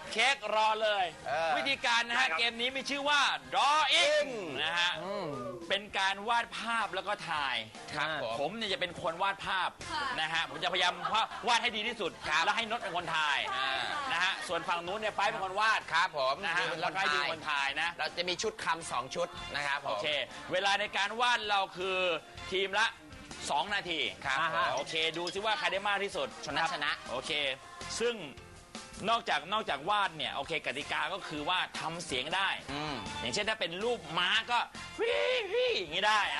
เค้กรอเลย วิธีการนะฮะเกมนี้มีชื่อว่า drawing นะฮะเป็นการวาดภาพแล้วก็ถ่ายผมเนี่ยจะเป็นคนวาดภาพนะฮะผมจะพยายามวาดให้ดีที่สุดแล้วให้นดเป็นคนถ่ายนะฮะส่วนฝั่งนู้นเนี่ยไปเป็นคนวาดครับผมนะฮะแล้วก็ดีคนถ่ายนะเราจะมีชุดคำ2 ชุดนะครับโอเคเวลาในการวาดเราคือทีมละ2 นาทีครับโอเคดูซิว่าใครได้มากที่สุดชนะโอเคซึ่งนอกจากวาดเนี่ยโอเคกติกาก็คือว่าทำเสียงได้อย่างเช่นถ้าเป็นรูปม้าก็พี่อย่างนี้ได้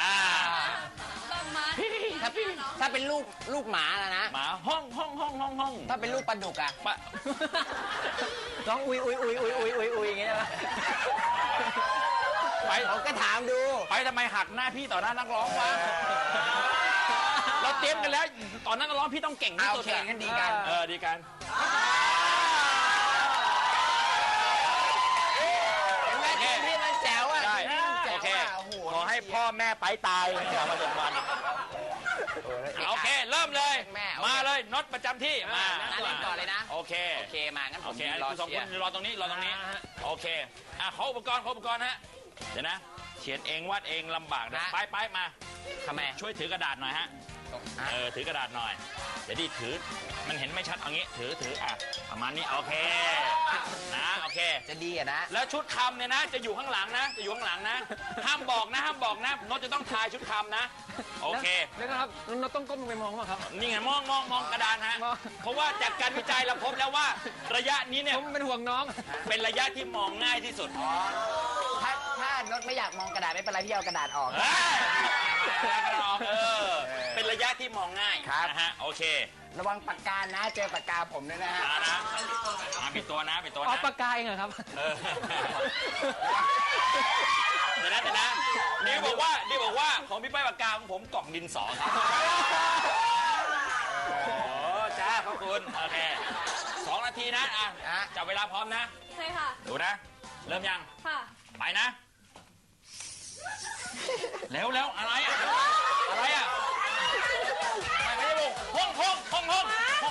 ถ้าเป็นลูกหมาแล้วนะหมาห้องถ้าเป็นลูกปลาดุกอะร้องอุยอย่างเงี้ยนะไปผมก็ถามดูไปทำไมหักหน้าพี่ต่อหน้านักร้องวะเราเตรียมกันแล้วตอนนั้นนักร้องพี่ต้องเก่งที่สุดกันดีกันดีกันพี่มันแจ๋วอ่ะโอเคขอให้พ่อแม่ไปตายอย่ามาจนวันโอเคเริ่มเลยมาเลยน็อตประจำที่มาเล่นก่อนเลยนะโอเคมางั้นผม 2 คนรอตรงนี้โอเคขออุปกรณ์ฮะเดี๋ยวนะเขียนเองวาดเองลำบากนะไปมาทำไมช่วยถือกระดาษหน่อยฮะถือกระดาษหน่อยเดี๋ยวดิถือมันเห็นไม่ชัดเอางี้ถือประมาณนี้โอเคนะโอเคจะดีอะนะแล้วชุดคำเนี่ยนะจะอยู่ข้างหลังนะห้ามบอกนะโน้ตจะต้องทายชุดคำนะโอเคนะครับโน้ตต้องก้มลงไปมองป่ะครับนี่ไงมองกระดานฮะเพราะว่าจากการวิจัยเราพบแล้วว่าระยะนี้เนี่ยผมเป็นห่วงน้องเป็นระยะที่มองง่ายที่สุดถ้าโน้ตไม่อยากมองกระดาษไม่เป็นไรพี่เอากระดาษออกเป็นระยะที่มองง่ายนะฮะโอเคระวังปากกานะเจอปากกาผมด้วยนะฮะปิดตัวนะเอาปากกาเองเหรอครับเดี๋ยวนะนี่บอกว่าของพี่ป้ายปากกาของผมกล่องดินสอครับโอ้จ้าขอบคุณโอเค2 นาทีนะจับเวลาพร้อมนะใช่ค่ะดูนะเริ่มยังค่ะไปนะแล้วอะไรอ่ะไม่ได้บอกห้องงูเห่างู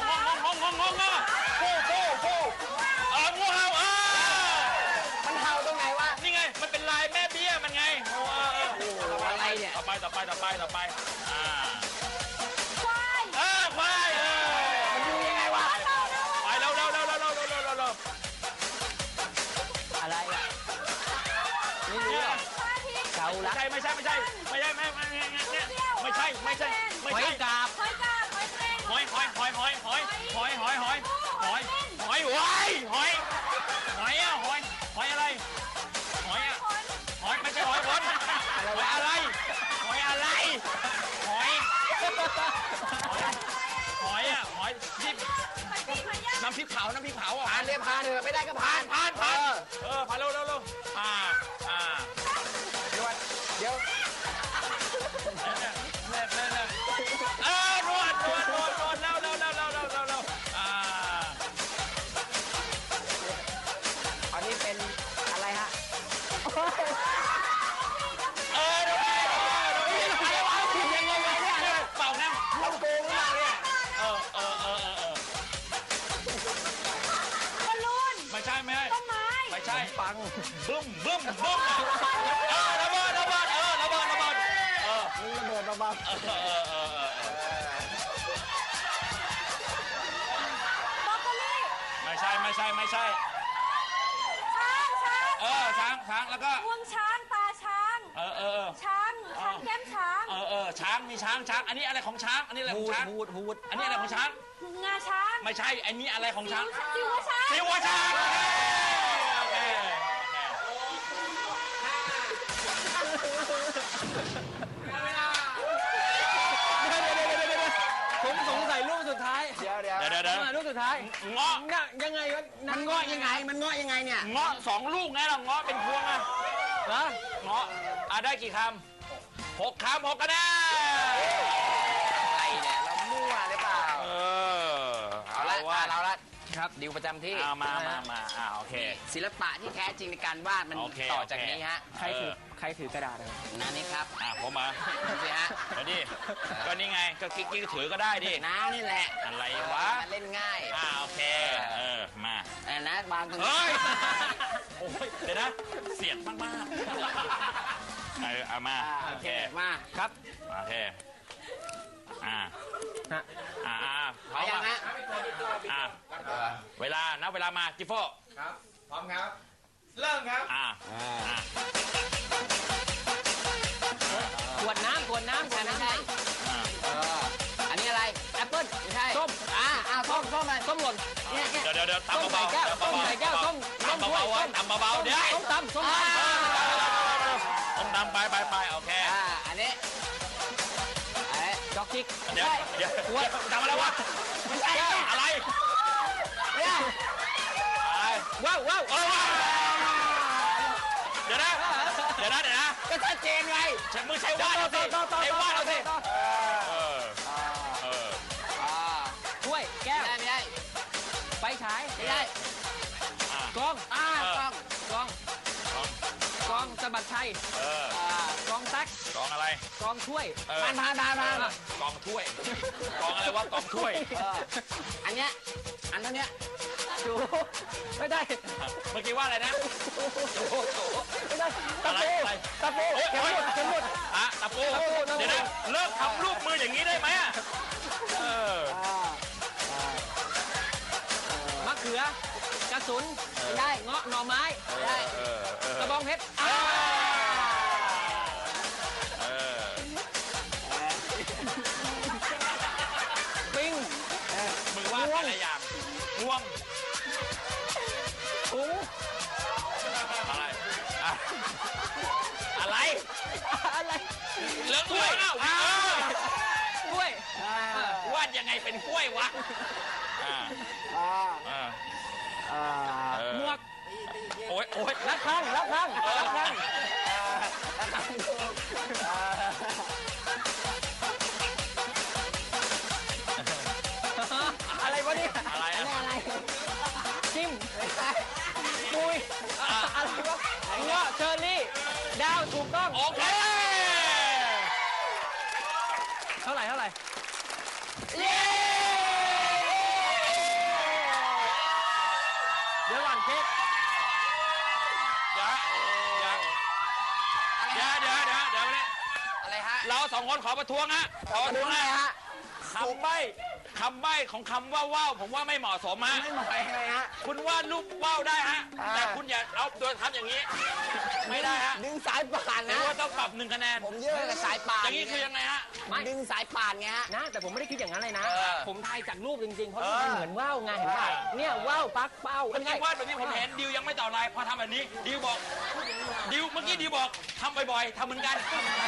เห่ามันเห่าตรงไหนวะนี่ไงมันเป็นลายแม่เบี้ยมันไงอะไรเนี่ยต่อไปควายมันดูยังไงวะไปเร็วอะไรอ่ะไม่รู้อ่ะเกาลัดไม่ใช่หอยกาบหอยไม่ใช่หอยคนหอยอะไรน้ำพริกเผาผ่านเรียบผ่านเถอะไม่ได้ก็ผ่านผ่านเร็วเดี๋ยวนวดแล้วอันนี้เป็นอะไรฮะยังไงเนี่ยเป่าน้ำเราโกงหรือเปล่าเนี่ยบอลลูนไม่ใช่ต้นไม้ไม่ใช่ปังบึ้มระเบิดมีระเบิดเบาๆบรอกโคลี่ไม่ใช่ช้างแล้วก็งวงช้างตาช้างช้างแก้มช้างช้างมีช้างอันนี้อะไรของช้างอันนี้อะไรของช้างฮูดอันนี้อะไรของช้างงาช้างไม่ใช่อันนี้อะไรของช้างสิวช้างโอเคผมสงสัยรูปสุดท้ายเดี๋ยวรูปสุดท้ายเงาะยังไงวะมันเงาะยังไงเนี่ยเงาะ2 ลูกไงล่ะเงาะเป็นพวงอะเงาะได้กี่คำ6 คำ6 คะแนนอะไรเนี่ยเรามั่วหรือเปล่าเอาละครับดิวประจำที่มาโอเคศิลปะที่แท้จริงในการวาดมันโอเคต่อจากนี้ฮะใครถือกระดาษครับนานี่ครับผมมาดูสิฮะเดี๋ยวดิก็นี่ไงก็กิ๊กถือก็ได้ดิน้านี่แหละอะไรวะมันเล่นง่ายโอเคมาแต่นะวางตรงนี้เฮ้ยโอ้ยเดี๋ยวนะเสียดมากเอามาโอโอเคเคมาครับโอเคฮะพร้อมยังฮะเวลานับเวลามาจิโฟครับ พร้อมครับ เริ่มครับขวดน้ำไม่ใช่อันนี้อะไรแอปเปิ้ลไม่ใช่ส้มส้มอะไรส้มหล่นเนี่ยเดี๋ยวตำส้มใส่เบาแก้วส้มใส่แก้วส้มตำเบาๆตำเบาๆเดี๋ยวส้มตำต้มตำไปโอเคอันนี้จ็อกกิ๊กเดี๋ยวทำอะไรวะไม่ใช่อะไรเนี่ยว้าวเดี๋ยวนะก็ชัดเจนไงมึงใช้วาดเอาสิใช้วาดเอาสิถ้วยแก้วไม่ได้ไฟฉายไม่ได้กล้องกล้องสะบัดชัยกล้องตั๊กกองอะไรกล้องถ้วยผ่านกองถ้วยกองอะไรวะกองถ้วยอันเนี้ยอันเท่านี้จูไม่ได้เมื่อกี้ว่าอะไรนะไม่ได้ตะปูเข็มหมดตะปูเดี๋ยวนะเลิกทำรูปมืออย่างนี้ได้ไหมมะเขือกระสุนไม่ได้เงาะหน่อไม้ไม่ได้กระบองเพชรปิงมึงว่าอะไรอย่างง่วงถุงอะไรอะไรเลิกง่วงกล้วยวาดยังไงเป็นกล้วยวะหมวกโอ๊ยระฆังอะไรวะเนี่ยอะไรจิ้มปุยอะไรวะเงาะเชอร์รี่ดาวถูกต้องโอเคเท่าไหร่เย้เดี๋ยวก่อนเค้กเดี๋ยวอะไรฮะเราสองคนขอประท้วงฮะคำใบ้ของคำว่าว่าวผมว่าไม่เหมาะสมฮะไม่เหมาะยังไงฮะคุณวาดรูปว่าวได้ฮะแต่คุณอย่าเอาโดยทำอย่างนี้ ไม่ได้ฮะดึงสายป่านถืนะอว่าต้องปรับ1 คะแนนผมเยอะกับสายป่านอย่างนี้คือยังไงฮะดึงสายป่านไงฮะนะแต่ผมไม่ได้คิดอย่างนั้นเลยนะเออผมทายจากรูปจริงๆ เพราะมันเหมือนว่าวไงเห็นป่ะเนี่ยว่าวปักเป้าเมื่อกี้วาดแบบนี้ผมเห็นดิวยังไม่ต่อลายพอทำแบบนี้ดิวบอกเมื่อกี้ดิวบอกทำบ่อยๆทำเหมือนกัน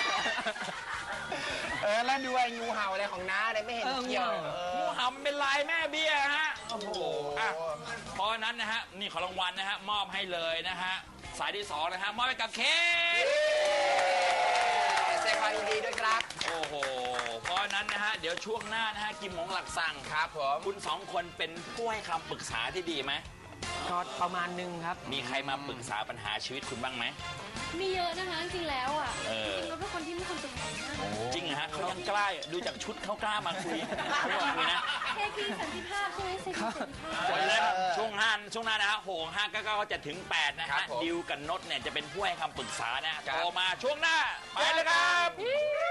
แล้วดูไอ้งูเห่าอะไรของน้าอะไรไม่เห็นเกี่ยวงูเห่ามันเป็นลายแม่เบี้ยฮะโอ้โหเพราะนั้นนะฮะนี่ของรางวัลนะฮะมอบให้เลยนะฮะสายที่2นะฮะมอบให้กับเค้กแสดงความยินดีด้วยครับโอ้โหเพราะนั้นนะฮะเดี๋ยวช่วงหน้านะฮะกิมหงหลักสั่งครับผมคุณ2 คนเป็นผู้ให้คำปรึกษาที่ดีไหมก็ประมาณนึงครับมีใครมาปรึกษาปัญหาชีวิตคุณบ้างไหมมีเยอะนะคะจริงๆแล้วอ่ะเออจริงๆเราเป็นคนที่ไม่คนตื่นเต้นมากจริงเหรอฮะเขายังกล้าดูจากชุดเขากล้ามาคุยไม่มาคุยนะเทพีสันติภาพใช่ไหมเทพีสันติภาพวันแรกช่วงหน้านะฮะโหง599ก็จะถึง8นะครัฮะบผมดิวกับนดเนี่ยจะเป็นผู้ให้คำปรึกษานะโทรมาช่วงหน้าไปเลยครับ